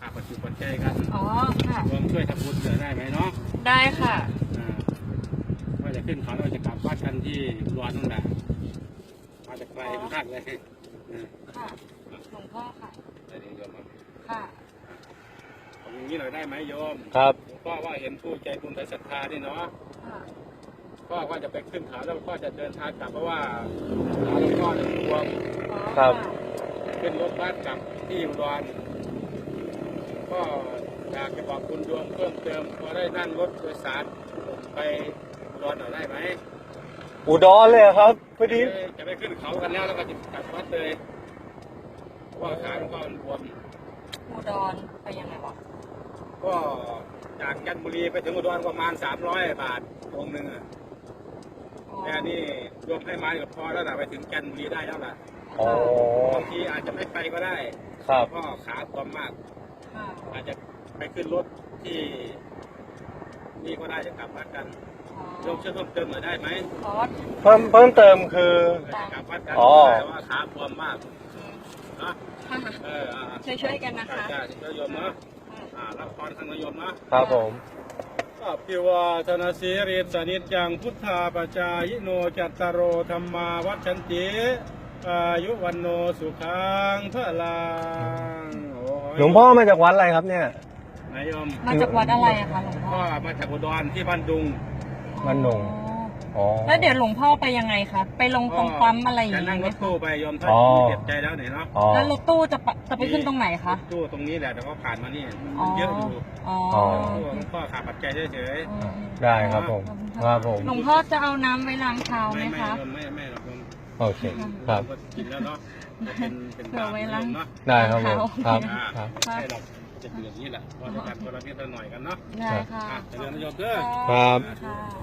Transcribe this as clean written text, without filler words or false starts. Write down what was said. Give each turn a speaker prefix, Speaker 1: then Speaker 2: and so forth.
Speaker 1: ขาดปัจจุบันใจกัน
Speaker 2: อ๋อค่ะ
Speaker 1: รวมช่วยทำบุญเหลือได้ไหมเนาะ
Speaker 2: ได้ค่ะ
Speaker 1: ว่าจะขึ้นเขาเราจะกลับวัดกันที่รวนนั่นแหละมาจากไกลมากเลย
Speaker 2: ค่ะหลวงพ่อค่ะ
Speaker 1: ได้เดี๋ยวโยม
Speaker 2: ค่ะ
Speaker 1: ผมอย่างนี้หน่อยได้ไหมโยม
Speaker 3: ครับ
Speaker 1: ก็ว่าเห็นผู้ใจบุญใจศรัทธานี่เนาะ
Speaker 2: ค่ะ
Speaker 1: ก็ว่าจะไปขึ้นเขาแล้วก็จะเดินทางกลับเพราะว่าหลวงพ่อเนี่ยรวม
Speaker 3: ครับ
Speaker 1: ขึ้นรถบัสกลับที่อุดรก็อยากจะบอกคุณโยมเพิ่มเติมพอได้นั่งรถโดยสารไปอุดรหน่อยได้ไหม
Speaker 3: อุดรเลยเหรอครับพอดี
Speaker 1: จะไปขึ้นเขากันแล้วแล้วก็จะกลับวัดเลยเพราะว่าขาหลวงพ่อมันบวม
Speaker 2: อุดรไปยังไงวะ
Speaker 1: ก็จากจันทบุรีไปถึงอุดรประมาณ300 บาทองค์หนึ่งอะ
Speaker 2: อ๋อ
Speaker 1: แต่นี่รวมให้มาก็พอแล้วนะไปถึงจันทบุรีได้แล้วล่ะ
Speaker 3: อ๋อบ
Speaker 1: างทีอาจจะไม่ไปก็ได้
Speaker 3: ครับ
Speaker 1: เพราะขาบวมมาก
Speaker 2: ค่ะ
Speaker 1: อาจจะไปขึ้นรถที่นี่ก็ได้จะกลับวัดกัน
Speaker 2: อ๋อ
Speaker 1: โยมช่วยเพิ่มเติมหน่อยได้ไหม
Speaker 2: อ๋อ
Speaker 3: เพิ่มเติมคือ
Speaker 1: จะกลับวัดกัน
Speaker 3: อ๋อ
Speaker 1: แต่ว่าขาบวมมากนะ
Speaker 2: ค่ะ ช่วยๆกันนะคะ
Speaker 1: ใช่ช่วยโยมเนาะรับพรทางโยมเนาะ
Speaker 3: ครับผม
Speaker 1: อภิวาทนาสีริสนิจจังพุทธาปจายโนจัตตารโอธรรมาวัชชันติอายุวันโนสุขังพระลังโอ้ย
Speaker 3: หลวงพ่อมาจากวัดอะไรครับเนี่ย
Speaker 1: นายโยม
Speaker 2: มาจากวัดอะไรอะคะหลวงพ่
Speaker 1: พ่
Speaker 2: อ
Speaker 1: อมาจากอุดรที่บ้านดุง
Speaker 3: บ้านดง อ๋อ
Speaker 2: แล้วเดี๋ยวหลวงพ่อไปยังไงคะไปลงตรงปั๊มอะไรอย่าง
Speaker 1: จะนั่ง
Speaker 2: นี้ไห
Speaker 1: ร
Speaker 2: ม
Speaker 1: ถตู้ไปโยมถ้า
Speaker 3: อ๋อ
Speaker 1: เจ็บใจแล้วไหนเนาะ
Speaker 3: อ๋อ
Speaker 2: แล้วรถตู้จะไปขึ้นตรงไหนคะ
Speaker 1: ตู้ตรงนี้แหละแต่ก็ผ่านมานี่
Speaker 2: อ๋อ
Speaker 1: เยอะอยู่
Speaker 2: อ๋อ
Speaker 3: อ๋อ
Speaker 1: ตู้หลวงพ่อขาดปัจจัยเฉย
Speaker 3: ได้ครับผม ครับผม
Speaker 2: หลวงพ่อจะเอาน้ำไว้ล้างเท้า
Speaker 1: ๆ
Speaker 2: ไหม
Speaker 1: ไม่
Speaker 2: คะ
Speaker 1: ไม่หรอกโยม
Speaker 3: โอเค ครับ
Speaker 1: ก็กินแล้วเนาะก็เป็น
Speaker 2: เผื่อไว้ล้าง
Speaker 1: เนาะ
Speaker 3: ได้ครับผม ครับ
Speaker 1: อ่า
Speaker 3: ครับ
Speaker 1: ไม่ใช่หรอกจะเป็นอย่างนี้แหละว่าจะกันคนละนิดละหน่อยกันเนาะ
Speaker 2: ได้ค่ะ
Speaker 1: เจริญนิยมเด้อ
Speaker 3: ครับ
Speaker 2: ค่ะ